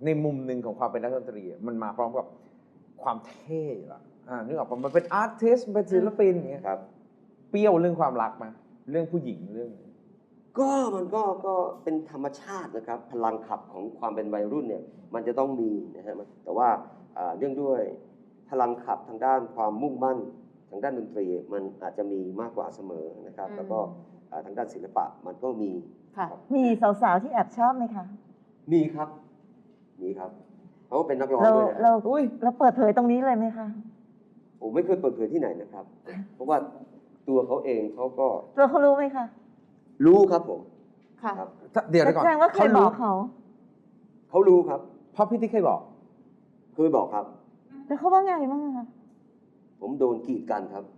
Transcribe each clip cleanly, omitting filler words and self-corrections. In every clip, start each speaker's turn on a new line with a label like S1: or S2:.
S1: ในมุมหนึ่งของความเป็นนักดนตรีมันมาพร้อมกับความเท่อะนึกออกปะมันเป็นอาร์ติสต์เป็นศิลปินอย่างเงี้ย
S2: ครับ
S1: เปรี้ยวเรื่องความรักมาเรื่องผู้หญิงเรื่อง
S2: มันก็เป็นธรรมชาตินะครับพลังขับของความเป็นวัยรุ่นเนี่ยมันจะต้องมีนะฮะแต่ว่าเรื่องด้วยพลังขับทางด้านความมุ่งมั่นทางด้านดนตรีมันอาจจะมีมากกว่าเสมอนะครับแล้วก็ทางด้านศิลปะมันก็มี
S3: ค่ะ
S4: มีสาวๆที่แอบชอบไหมคะ
S2: มีครับเขาเป็นนักร้อง
S4: เรา
S2: ด้วยนะ
S4: เราเปิดเผยตรงนี้เลยไหมคะ
S2: ผมไม่เคยเปิดเผยที่ไหนนะครับ เพราะว่าตัวเขาเองเขาก็
S4: ตัวเขารู้ไหมคะ
S2: รู้ครับผม
S3: ค่ะ
S2: ครับ
S1: เดี๋ยวก่อน
S4: แสดงว่าเคยบอกเขา
S2: เขารู้ครับ
S1: เพราะพี่ติ๊กเคยบอก
S2: เคยบอกครับ
S4: แล้วเขาว่าไงบ้างคะ
S2: ผมโดนกีดกันครับ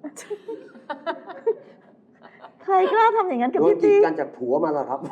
S4: ใครกล้าทำอย่างนั้นกับ
S2: โดน
S4: พี่
S2: กีด
S4: ติ๊ก
S2: กันจากผัวมาแล้วครับ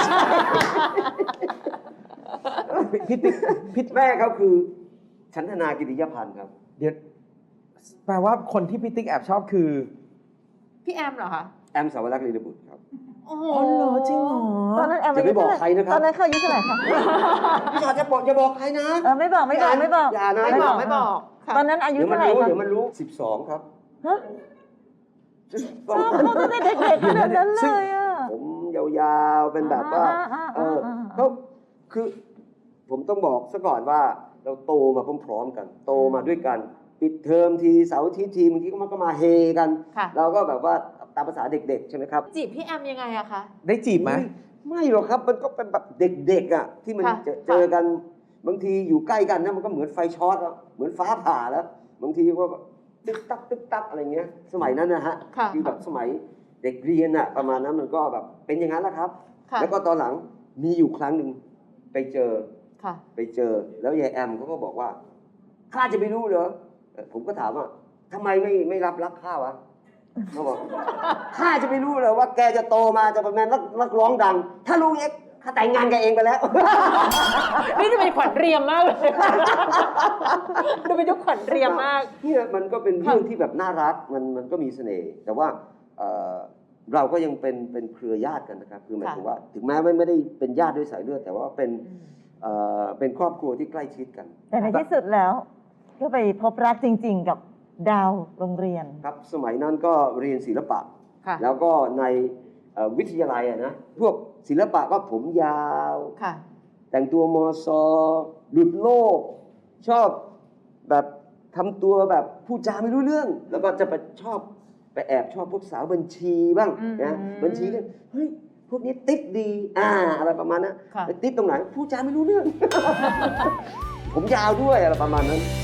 S1: พี่ติ๊กพี่
S2: แม่เขาคือชันธนากิติยพันธ์ครับ
S1: เดี๋ยวแปลว่าคนที่พี่ติ๊กแอบชอบคือ
S3: พี่แอมเหรอคะ
S2: แอมสาวรักษ์ลีลบุตรครับ
S3: โอ้โห
S1: อ๋อเหรอจริงเหรอ
S4: ตอนนั้นแอม
S2: จะไม่บอกใครนะครับ
S4: ตอนนั้นเขาอายุเท่าไหร่คะ
S2: พี่ชอตจะบอกใครนะ
S4: ไม่บอก
S2: อย่านะ
S3: ไม่บอกค่ะ
S4: ตอนนั้นอายุ
S2: เดี๋ยวมัน
S4: เท่าไหร่
S2: รู้
S4: คะ
S2: เดี๋ยวมันรู้12ครับ
S4: ฮะชอบเขาตั้งแต่เด็กๆขนาดนั้นเลยอ่ะ
S2: ผมยาวๆเป็นแบบว่าเขาคือผมต้องบอกซะก่อนว่าเราโตมาพร้อมๆกัน โตมาด้วยกันปิดเทอมทีเสาร์อาทิตย์ทีบางทีก็มันก็มาเฮกัน
S3: ค่ะ
S2: เราก็แบบว่าตามภาษาเด็กๆใช่ไหมครับ
S3: จีบพี่แอมยังไงอะคะ
S1: ได้จีบไหม
S2: ไม่หรอกครับมันก็เป็นแบบเด็กๆอ่ะที่มัน
S3: ค่ะ
S2: เจอกันบางทีอยู่ใกล้กันนะมันก็เหมือนไฟช็อตแล้วเหมือนฟ้าผ่าแล้วบางทีก็แบบตึกตักอะไรเงี้ยสมัยนั้นนะฮะ
S3: ค่ะ
S2: คือแบบสมัยเด็กเรียนอ่ะประมาณนั้นมันก็แบบเป็นอย่างนั้นแหละครับ
S3: ค่ะ
S2: แล้วก็ตอนหลังมีอยู่ครั้งหนึ่งไปเจอ
S3: ค่ะ
S2: แล้วยายแอมเขาก็บอกว่าข้าจะไม่รู้เหรอผมก็ถามว่าทำไมไม่รับรักข้าวะเขาบอกข้าจะไม่รู้เหรอว่าแกจะโตมาจะเป็นนักร้องดัง ถ้ารู้เองข้าแต่งงานกับเองไปแล้ว
S3: นี่จะเป็นขวัญเรียมมากเลยดูเป็นยุคขวัญเรียมมาก
S2: เนี่ยมันก็เป็นเรื่องที่แบบน่ารักมันก็มีเสน่ห์แต่ว่าเราก็ยังเป็นเครือญาติกันนะครับคือหมายถึงว่าถึงแม้ไม่ได้เป็นญาติด้วยสายเลือดแต่ว่าเป็นครอบครัวที่ใกล้ชิดกัน
S4: แต่ในที่สุดแล้ว ก็ไปพบรักจริงๆกับดาวโรงเรียน
S2: ครับสมัยนั้นก็เรียนศิลปะ
S3: ค่ะ
S2: แล้วก็ในวิทยาลัยอะนะพวกศิลปะก็ผมยาว
S3: ค่ะ
S2: แต่งตัวมอซอหลุดโลก ชอบแบบทำตัวแบบพูดจาไม่รู้เรื่อง แล้วก็จะไปแอบชอบพวกสาวบัญชีบ้างนะบัญชีก็เฮ้ยพวกนี้ติ๊ดดีอะไรประมาณนั้น
S3: ค่ะ
S2: ติ๊ดตรงไหนพูดจาไม่รู้เรื่อง ผมยาวด้วยอะไรประมาณนั้น